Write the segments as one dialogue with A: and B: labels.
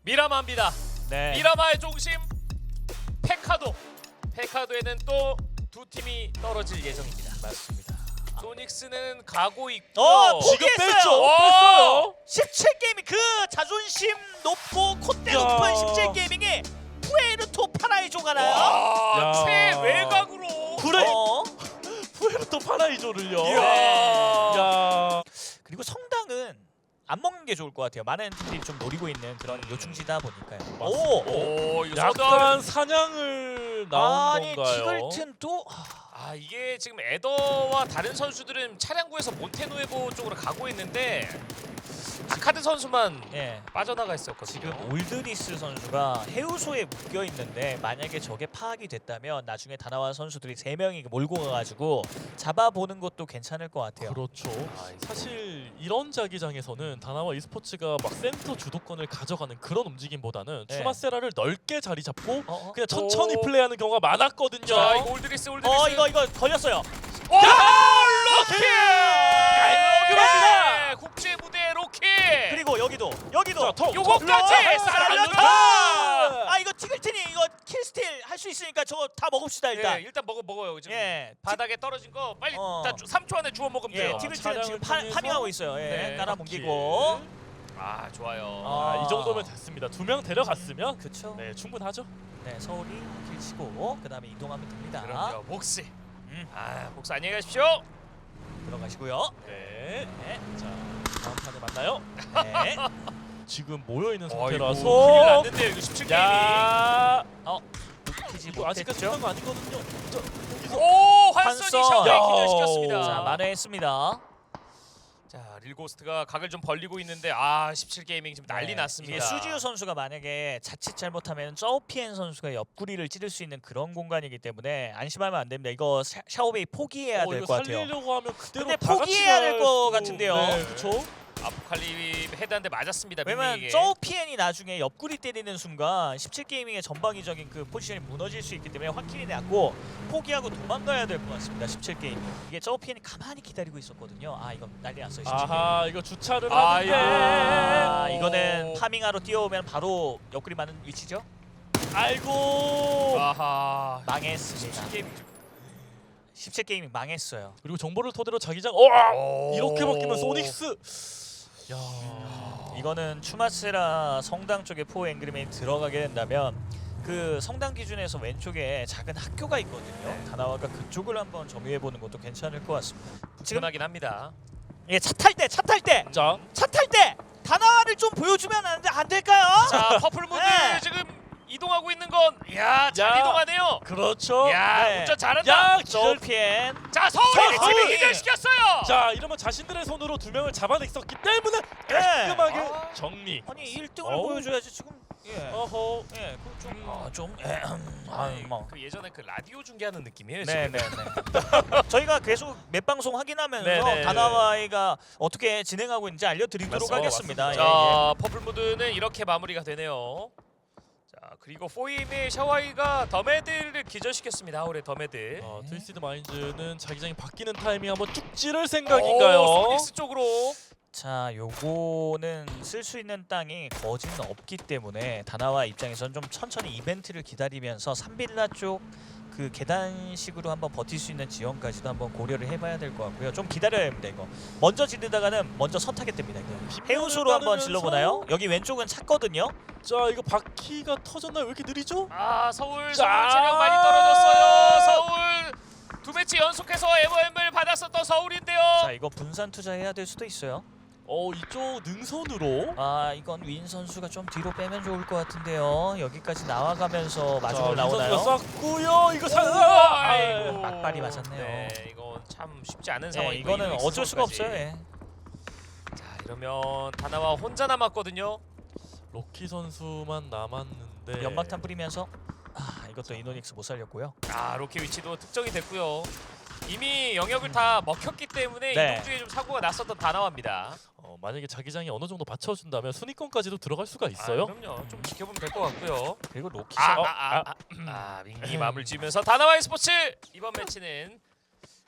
A: 미라마입니다.
B: 네.
A: 미라마의 중심 페카도. 페카도에는 또 두 팀이 떨어질 예정입니다.
B: 맞습니다.
A: 소닉스는 가고 있고
B: 지금
C: 뺐죠.
A: 오!
C: 뺐어요.
B: 17게이밍 그 자존심 높고 콧대
C: 야.
B: 높은 17게이밍이 푸에르토 파라이조가 나요.
A: 와,
C: 야.
A: 최외곽으로
C: 그래.
B: 어.
C: 푸에르토 파라이조를요.
A: 이야.
C: 야.
B: 그리고 성당은 안 먹는 게 좋을 것 같아요. 많은 팀들이 좀 노리고 있는 그런 요충지다 보니까요.
A: 오, 이거
C: 약간 사냥을 나온
B: 아니
C: 건가요?
B: 티글튼도
A: 아 이게 지금 에더와 다른 선수들은 차량구에서 몬테누에보 쪽으로 가고 있는데 아카드 선수만
B: 예.
A: 빠져나가 있었거든요.
B: 지금 올드리스 선수가 해우소에 묶여 있는데 만약에 저게 파악이 됐다면 나중에 다나와 선수들이 3명이 몰고 가가지고 잡아보는 것도 괜찮을 것 같아요.
C: 그렇죠.
A: 아, 이거.
C: 사실 이런 자기장에서는 다나와 e스포츠가 막 센터 주도권을 가져가는 그런 움직임보다는
B: 네.
C: 추마세라를 넓게 자리 잡고
B: 어?
C: 그냥 천천히
A: 오.
C: 플레이하는 경우가 많았거든요.
A: 자 이거 올드리스
B: 이거 걸렸어요.
A: 로키!
C: 깔끔합니다.
A: 네, 국제 무대 로키!
B: 그리고 여기도
C: 자, 턱,
A: 요거까지
B: 살렸다. 아 이거 티글튼이 이거 킬스틸 할 수 있으니까 저거 다 먹읍시다 일단.
A: 일단 먹어요. 지금
B: 예.
A: 바닥에 떨어진 거 빨리
B: 어.
A: 다 3초 안에 주워 먹으면
B: 예,
A: 돼요.
B: 티글튼은
C: 차량을
B: 지금
C: 통해서
B: 파밍하고 있어요. 예,
A: 네,
B: 깔아뭉기고.
A: 아 좋아요.
B: 아.
C: 이 정도면 됐습니다. 2명 데려갔으면
B: 그쵸.
C: 네 충분하죠.
B: 네, 서울이 킬 치고 그 다음에 이동하면 됩니다.
A: 그럼요. 복스.
B: 음.
A: 아 복스 안녕히 가십시오.
B: 들어가시고요.
C: 네.
B: 네.
C: 자 다음 판에 만나요.
B: 네.
C: 지금 모여 있는
A: 큰일
C: 상태라서.
A: 났는데요. 이거 17게임이.
C: 야.
B: 키지
C: 이거 아직까지
B: 못했죠.
C: 끝난 거 아니거든요. 자, 여기서
A: 오 환선이
B: 환선.
A: 샤오에
C: 야.
A: 기절시켰습니다.
B: 자, 만회했습니다.
A: 자 릴고스트가 각을 좀 벌리고 있는데 아 17게이밍 지금 난리
B: 네,
A: 났습니다.
B: 이게 수지우 선수가 만약에 자칫 잘못하면 저우피엔 선수가 옆구리를 찌를 수 있는 그런 공간이기 때문에 안심하면 안 됩니다. 이거 샤오베이 포기해야 될
C: 이거
B: 것 같아요.
C: 살리려고 하면 그대로
B: 근데
C: 다 같이
B: 포기해야 될
C: 갈
B: 것
C: 수도-
B: 같은데요.
C: 네, 그렇죠.
A: 아포칼립 헤드한테 맞았습니다.
B: 왜냐면
A: 밍밍에게.
B: 저우피엔이 나중에 옆구리 때리는 순간 17게이밍의 전방위적인 그 포지션이 무너질 수 있기 때문에 확실히 났고 포기하고 도망가야 될 것 같습니다. 17게이밍. 이게 저우피엔이 가만히 기다리고 있었거든요. 아 이거 난리 났어요. 17게이밍.
C: 아하 이거 주차를
A: 아이고.
C: 하는데
B: 이거는 파밍하러 뛰어오면 바로 옆구리 맞는 위치죠?
C: 아이고
A: 아하.
B: 망했습니다.
A: 17게이밍.
B: 17게이밍 망했어요.
C: 그리고 정보를 토대로 자기장
A: 오.
C: 이렇게 바뀌면 소닉스 야
B: 이거는 추마스라 성당 쪽에 포 앵그리맨이 들어가게 된다면 그 성당 기준에서 왼쪽에 작은 학교가 있거든요. 다나와가 그쪽을 한번 점유해 보는 것도 괜찮을 것 같습니다. 지금
A: 지금하긴 합니다.
B: 예, 차 탈 때
C: 자
B: 다나와를 좀 보여주면 안 될까요?
A: 자 퍼플무드
B: 네.
A: 지금 이동하고 있는 건 야 잘
C: 야.
A: 이동하네요.
C: 그렇죠
A: 야
B: 네.
A: 운전 잘한다.
C: 야
B: 저피엔
A: 자 서울이
C: 서울!
A: 팀이 기절시켰어요.
C: 자 이러면 자신들의 손으로 2명을 잡아냈었기 때문에 깔끔하게
A: 아.
C: 정리
B: 아니 1등을
C: 어우.
B: 보여줘야지 지금. 예.
C: 어허
B: 예, 뭐.
A: 그 예전에 그 라디오 중계하는 느낌이에요.
B: 네,
A: 지금.
B: 네, 네. 저희가 계속 몇 방송 확인하면서
A: 네, 네.
B: 다나와이가 어떻게 진행하고 있는지 알려드리도록
C: 맞습니다.
B: 하겠습니다.
A: 자 퍼플무드는 이렇게 마무리가 되네요. 자 그리고 포임의 샤와이가 더메드를 기절시켰습니다. 하울의 더메드.
C: 트위스티드 마인즈는 자기장이 바뀌는 타이밍 한번 쭉 찌를 생각인가요?
A: 오, 소닉스 쪽으로.
B: 자, 요거는 쓸 수 있는 땅이 거지는 없기 때문에 다나와 입장에서는 좀 천천히 이벤트를 기다리면서 삼빌라 쪽 그 계단식으로 한번 버틸 수 있는 지형까지도 한번 고려를 해봐야 될 것 같고요. 좀 기다려야 합니다 이거. 먼저 지르다가는 먼저 선타겟 됩니다 이거. 해우소로 한번 질러보나요? 여기 왼쪽은 찼거든요.
C: 자 이거 바퀴가 터졌나요? 왜 이렇게 느리죠?
A: 아 서울
C: 자.
A: 체력 많이 떨어졌어요. 서울 두 매치 연속해서 MOM을 받았었던 서울인데요.
B: 자, 이거 분산 투자해야 될 수도 있어요.
C: 이쪽 능선으로
B: 아, 이건 윈 선수가 좀 뒤로 빼면 좋을 것 같은데요. 여기까지 나와가면서
C: 자,
B: 마중을
C: 윈
B: 나오나요?
C: 선수가 쐈고요. 이거
A: 아이고.
B: 악발이 맞았네요.
A: 네, 이건 참 쉽지 않은
B: 네,
A: 상황이고
B: 이거는
A: 이노닉스
B: 어쩔 수가
A: 선수까지.
B: 없어요. 예.
A: 자 이러면 다나와 혼자 남았거든요.
C: 로키 선수만 남았는데
B: 연막탄 뿌리면서 이것도 이노닉스 못 살렸고요.
A: 아 로키 위치도 특정이 됐고요. 이미 영역을 다 먹혔기 때문에
B: 네.
A: 이동 중에 좀 사고가 났었던 다나와입니다.
C: 만약에 자기장이 어느 정도 받쳐준다면 순위권까지도 들어갈 수가 있어요.
A: 그럼요. 좀 지켜보면 될 것 같고요.
B: 그리고 로키
A: 밍밍이 마음을 지으면서 다나와의 스포츠 이번 매치는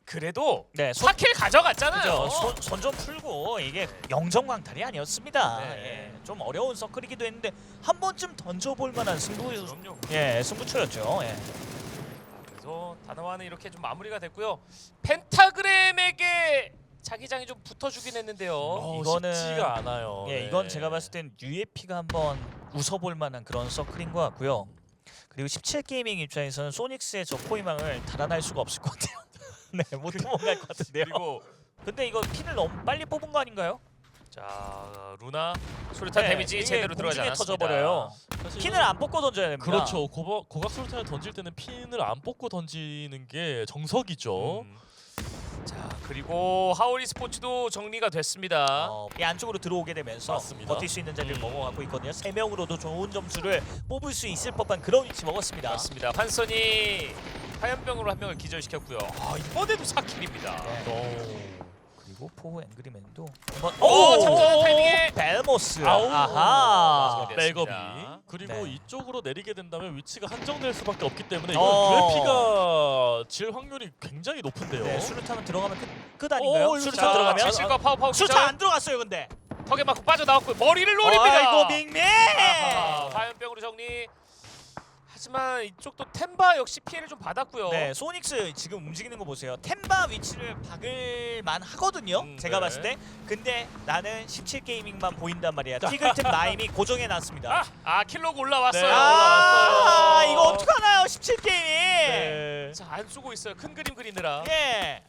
A: 그래도
B: 네,
A: 4킬 가져갔잖아요.
B: 손 좀 풀고 이게 영정광탈이 아니었습니다.
A: 네.
B: 예, 좀 어려운 서클이기도 했는데 한 번쯤 던져볼 만한
A: 그럼요.
B: 승부처였죠. 예.
A: 그래서 다나와는 이렇게 좀 마무리가 됐고요. 펜타그램에게 자기장이 좀 붙어주긴 했는데요.
B: 이거는-
C: 쉽지가 않아요.
B: 예,
C: 네.
B: 이건 제가 봤을 땐 UFP가 한번 웃어볼 만한 그런 서클인 것 같고요. 그리고 17게이밍 입장에서는 소닉스의 저 포위망을 달아날 수가 없을 것 같아요. 네, 못 도망갈 것 같은데요.
A: 그리고
B: 근데 이거 핀을 너무 빨리 뽑은 거 아닌가요?
A: 자 루나 수류탄
B: 네,
A: 데미지
B: 이게
A: 제대로 들어가지
B: 공중에
A: 않았습니다.
B: 터져버려요.
C: 사실은-
B: 핀을 안 뽑고 던져야 됩니다.
C: 그렇죠. 고각 수류탄을 던질 때는 핀을 안 뽑고 던지는 게 정석이죠.
A: 자 그리고 하오리 스포츠도 정리가 됐습니다.
B: 이 안쪽으로 들어오게 되면서
C: 맞습니다.
B: 버틸 수 있는 자리를 먹어가고 있거든요. 3명으로도 좋은 점수를 뽑을 수 있을 법한 그런 위치 먹었습니다.
A: 맞습니다. 환선이 화염병으로 한 명을 기절시켰고요. 이번에도 4킬입니다.
B: 네. 그리고 포 앵그리맨도 한번
A: 오, 잠깐만 타이밍에
B: 벨모스.
C: 아우.
B: 아하.
A: 맞습니다.
C: 백업이
A: 됐습니다.
C: 그리고
B: 네.
C: 이쪽으로 내리게 된다면 위치가 한정될 수밖에 없기 때문에
B: 어.
C: 이건 UFP가 질 확률이 굉장히 높은데요.
B: 네, 수류탄은 들어가면 끝 아닌가요?
C: 오,
B: 수류탄
C: 자,
B: 들어가면?
A: 칠칠과 파워파워
B: 수류탄 안 들어갔어요, 근데.
A: 턱에 맞고 빠져나왔고 머리를 노립니다.
B: 아이고 빅맨.
A: 아하, 화염병으로 정리. 하지만 이쪽도 템바 역시 피해를 좀 받았고요.
B: 네, 소닉스 지금 움직이는 거 보세요. 템바 위치를 박을만 하거든요. 제가
A: 네.
B: 봤을 때. 근데 나는 17게이밍만 보인단 말이야. 티글템 나임이 고정해 놨습니다.
A: 킬로그 올라왔어요.
C: 네,
B: 아,
C: 올라왔어요.
B: 이거 어떡하나요, 17게이밍.
C: 네.
A: 자, 안 쏘고 있어요. 큰 그림 그리느라.
B: 예.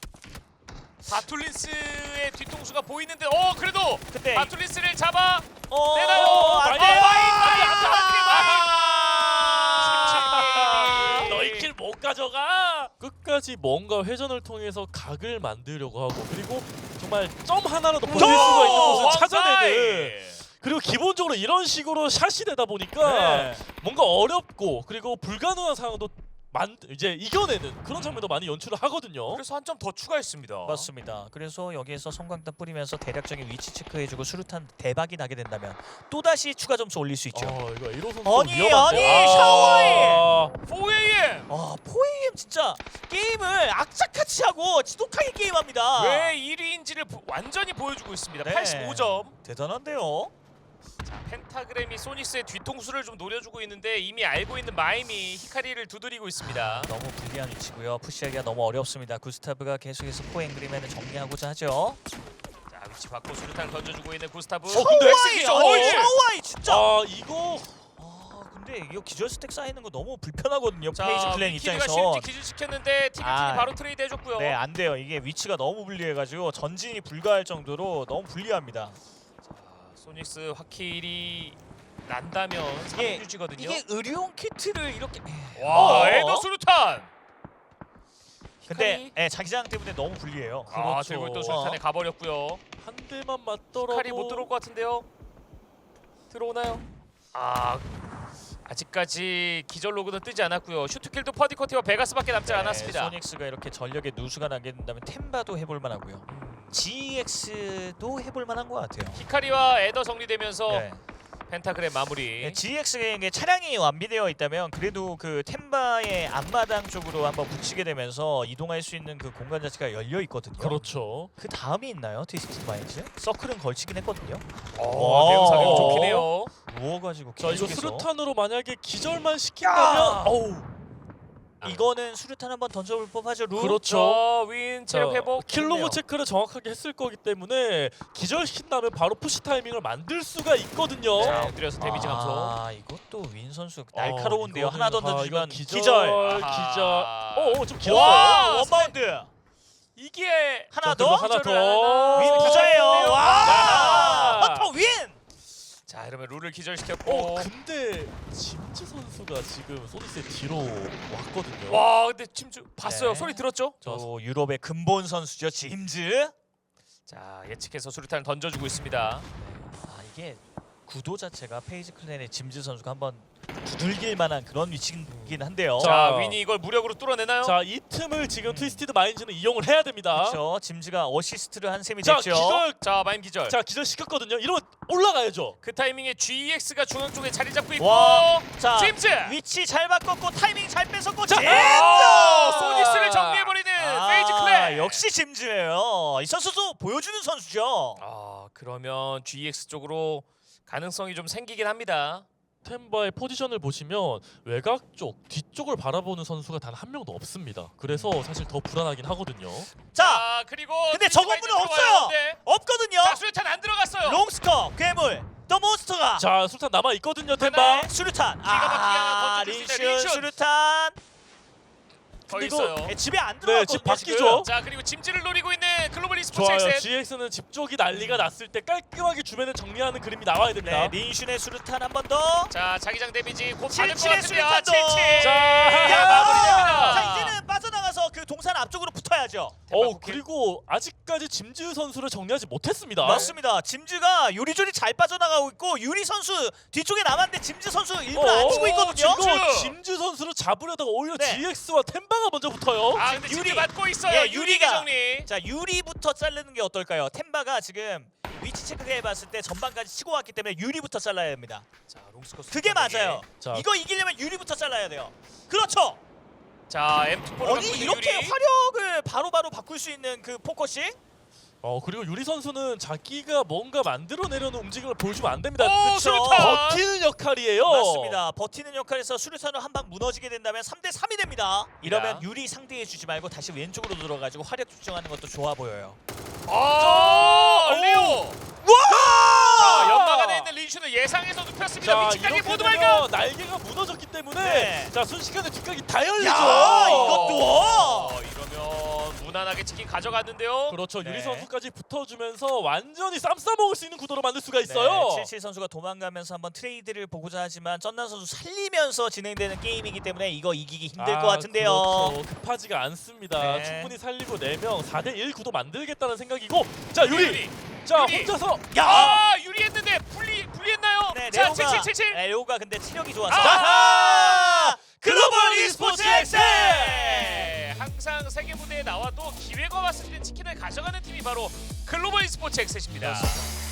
A: 바툴린스의 뒤통수가 보이는데 그래도
B: 근데
A: 바툴린스를 잡아
B: 어,
A: 내놔요.
B: 안 돼.
C: 너희 킬 못 가져가. 끝까지 뭔가 회전을 통해서 각을 만들려고 하고 그리고 정말 점 하나라도 버틸 수가 있는 곳을 찾아내는. 그리고 기본적으로 이런 식으로 샷이 되다 보니까
B: 네.
C: 뭔가 어렵고 그리고 불가능한 상황도 이제 이겨내는 그런 장면도 많이 연출을 하거든요.
A: 그래서 한 점 더 추가했습니다.
B: 맞습니다. 그래서 여기에서 성광탄 뿌리면서 대략적인 위치 체크해주고 수류탄 대박이 나게 된다면 또다시 추가 점수 올릴 수 있죠.
C: 이거 이로 선수
B: 아니,
C: 위험한데.
B: 아니, 샤워해!
A: 4AM!
B: 4AM 진짜 게임을 악착같이 하고 지독하게 게임합니다.
A: 왜 1위인지를 완전히 보여주고 있습니다.
B: 네.
A: 85점.
B: 대단한데요.
A: 펜타그램이 소닉스의 뒤통수를 좀 노려주고 있는데 이미 알고 있는 마임이 히카리를 두드리고 있습니다.
B: 너무 불리한 위치고요. 푸시하기가 너무 어렵습니다. 구스타브가 계속해서 포앵그리맨을 정리하고자 하죠.
A: 자 위치 바꿔 수류탄을 던져주고 있는 구스타브.
C: 근데
B: 샤오아이 진짜.
C: 이거
B: 근데 이거 기절 스택 쌓이는 거 너무 불편하거든요.
A: 자
B: 페이지 클랜
A: 위키리가
B: 입장에서.
A: 실지 기절시켰는데 티그팀이
B: 아.
A: 바로 트레이드 해줬고요.
B: 네, 안 돼요. 이게 위치가 너무 불리해가지고 전진이 불가할 정도로 너무 불리합니다.
A: 소닉스 화킬이 난다면
B: 이게-
A: 3유지거든요.
B: 이게 의료용 키트를 이렇게.
A: 와
B: 어?
A: 에더 수류탄.
B: 근데 자기장 때문에 너무 불리해요.
A: 아
C: 그렇죠.
A: 들고 또 수류탄에 가버렸고요.
C: 한 대만 맞더라도
A: 히카리 못 들어올 것 같은데요. 들어오나요? 아직까지 기절 로그는 뜨지 않았고요. 슈트킬도 퍼디커티와 베가스밖에 남지 않았습니다.
B: 소닉스가 이렇게 전력에 누수가 나게 된다면 템바도 해볼 만하고요. GX도 해볼 만한 것 같아요.
A: 히카리와 에더 정리되면서
B: 네.
A: 펜타그램 마무리.
B: GX의 차량이 완비되어 있다면 그래도 그 템바의 앞마당 쪽으로 한번 붙이게 되면서 이동할 수 있는 그 공간 자체가 열려 있거든요.
C: 그렇죠.
B: 그 다음이 있나요? 트위스트 마인즈? 서클은 걸치긴 했거든요.
A: 대응 사격 좋긴 해요.
B: 누워가지고
C: 자 이거
B: 계속해서.
C: 수류탄으로 만약에 기절만 시킨다면
B: 이거는 수류탄 한번 던져볼 법하죠. 루.
C: 그렇죠.
A: 윈 체력 회복.
C: 킬로그
A: 좋네요.
C: 체크를 정확하게 했을 거기 때문에 기절시킨다면 바로 푸시 타이밍을 만들 수가 있거든요.
A: 자 엎드려서 데미지 감소.
B: 이것도 윈 선수 날카로운데요.
C: 이거는-
B: 하나 던져주면
C: 이건
B: 기절.
A: 아하.
C: 좀
B: 와,
C: 길었어요.
B: 원바운드.
A: 이게
B: 하나
C: 자,
B: 더.
C: 그리고 하나 더.
B: 윈 부자예요.
A: 아.
B: 와.
C: 아.
B: 헌터 윈.
A: 자 이러면 룰을 기절시켰고.
C: 근데 짐즈 선수가 지금 소닉스의 뒤로 왔거든요.
A: 와 근데 침주 봤어요.
B: 네.
A: 소리 들었죠?
B: 또 유럽의 근본 선수죠. 짐즈.
A: 자 예측해서 수류탄을 던져주고 있습니다.
B: 이게 구도 자체가 페이지 클랜의 짐즈 선수가 한번 두들길 만한 그런 위치이긴 한데요.
A: 자 윈이 이걸 무력으로 뚫어내나요?
C: 자, 이 틈을 지금 트위스티드 마인즈는 이용을 해야 됩니다.
B: 그렇죠. 짐즈가 어시스트를 한 셈이
C: 자,
B: 됐죠.
A: 자 마임 기절.
C: 기절 시켰거든요. 이러면 올라가야죠.
A: 그 타이밍에 GEX가 중앙 쪽에 자리 잡고 있고.
B: 와. 자,
A: 짐즈.
B: 위치 잘 바꿨고 타이밍 잘 뺏었고
C: 자,
B: 짐즈.
A: 소닉스를 정리해버리는 페이지 클랜.
B: 역시 짐즈예요. 이 선수도 보여주는 선수죠.
A: 아 그러면 GX 쪽으로 가능성이 좀 생기긴 합니다.
C: 템바의 포지션을 보시면 외곽 쪽 뒤쪽을 바라보는 선수가 단 한 명도 없습니다. 그래서 사실 더 불안하긴 하거든요.
B: 자,
A: 그리고
B: 근데
A: 트위치가
B: 저건물은
A: 이제
B: 없어요.
A: 들어와요. 네.
B: 없거든요.
A: 자 수류탄 안 들어갔어요.
B: 롱스커, 괴물, 더 몬스터가.
C: 자 술탄 남아 있거든요. 템바.
B: 네, 수류탄.
A: 기가 막히게 하나 던져줄 수 있어요.
B: 린슈
A: 린슈.
B: 수류탄.
A: 더
C: 그리고
A: 있어요.
B: 네, 집에 안
C: 네,
B: 들어갔거든요.
C: 집 바뀌죠.
B: 지금.
A: 자 그리고 짐즈를 노리고 있는 글로벌 e스포츠
C: 좋아요.
A: 엑셋.
C: GX는 집 쪽이 난리가 났을 때 깔끔하게 주변을 정리하는 그림이 나와야 됩니다.
B: 네, 린슈의 수류탄 한 번 더.
A: 자 자기장 데미지 곧 받을 것
B: 77의
A: 같은데요.
B: 수류탄도.
A: 77.
C: 자,
A: 야, 마무리됩니다.
B: 자, 이제는 빠져나가서 그 동산 앞쪽으로 붙어야죠.
C: 그리고 아직까지 짐즈 선수를 정리하지 못했습니다.
B: 맞습니다. 짐즈가 요리조리 잘 빠져나가고 있고 유리 선수 뒤쪽에 남았는데 짐즈 선수 일부러 안 치고 있거든요.
C: 이거 짐즈 선수를 잡으려다가 오히려
B: 네.
C: GX와 템바가 먼저 붙어요.
A: 아 근데
B: 유리.
A: 유리 맞고 있어요.
B: 예,
A: 유리
B: 유리가.
A: 정리.
B: 자, 유리부터 자르는 게 어떨까요? 템바가 지금 위치 체크해봤을 때 전반까지 치고 왔기 때문에 유리부터 잘라야 됩니다.
A: 자 롱스커.
B: 그게 맞아요.
C: 자.
B: 이거 이기려면 유리부터 잘라야 돼요. 그렇죠.
A: 자 M2포를
B: 아니 이렇게 화력을 바로바로 바꿀 수 있는 그 포커싱?
C: 그리고 유리 선수는 자기가 뭔가 만들어내려는 움직임을 보여주면 안 됩니다.
A: 오
B: 그쵸.
A: 수류탄.
C: 버티는 역할이에요.
B: 맞습니다. 버티는 역할에서 수류탄으로 한 방 무너지게 된다면 3대 3이 됩니다. 이러면
A: 야.
B: 유리 상대해주지 말고 다시 왼쪽으로 들어가지고 화력 측정하는 것도 좋아 보여요.
A: 레오.
B: 와!
A: 자 연막 안에 있는 린슈는 예상해서 눕혔습니다.
C: 자,
A: 위치까지
C: 이렇게
A: 모두
C: 되면
A: 발견.
C: 날개가 무너졌기 때문에
B: 네.
C: 자 순식간에 뒷각이 다 열리죠.
B: 야, 이것도.
A: 이러면 무난하게 치킨 가져갔는데요.
C: 그렇죠.
B: 네.
C: 유리 선수까지 붙어주면서 완전히 쌈 싸먹을 수 있는 구도로 만들 수가 있어요.
B: 네, 77 선수가 도망가면서 한번 트레이드를 보고자 하지만 쩐난 선수 살리면서 진행되는 게임이기 때문에 이거 이기기 힘들 것 같은데요.
C: 그렇죠. 급하지가 않습니다.
B: 네.
C: 충분히 살리고 4명 4대1 구도 만들겠다는 생각이고 자 유리. 자
A: 유리.
C: 혼자서
B: 야!
A: 유리했는데 불리했나요?
B: 네,
A: 자
B: 레오가
A: 7777.
B: 레오가 근데 체력이 좋아서.
A: 아하!
B: 글로벌 e스포츠 엑스!
A: 네, 항상 세계 무대에 나와도 기회가 왔을 때 치킨을 가져가는 팀이 바로 글로벌 e스포츠 엑셋입니다.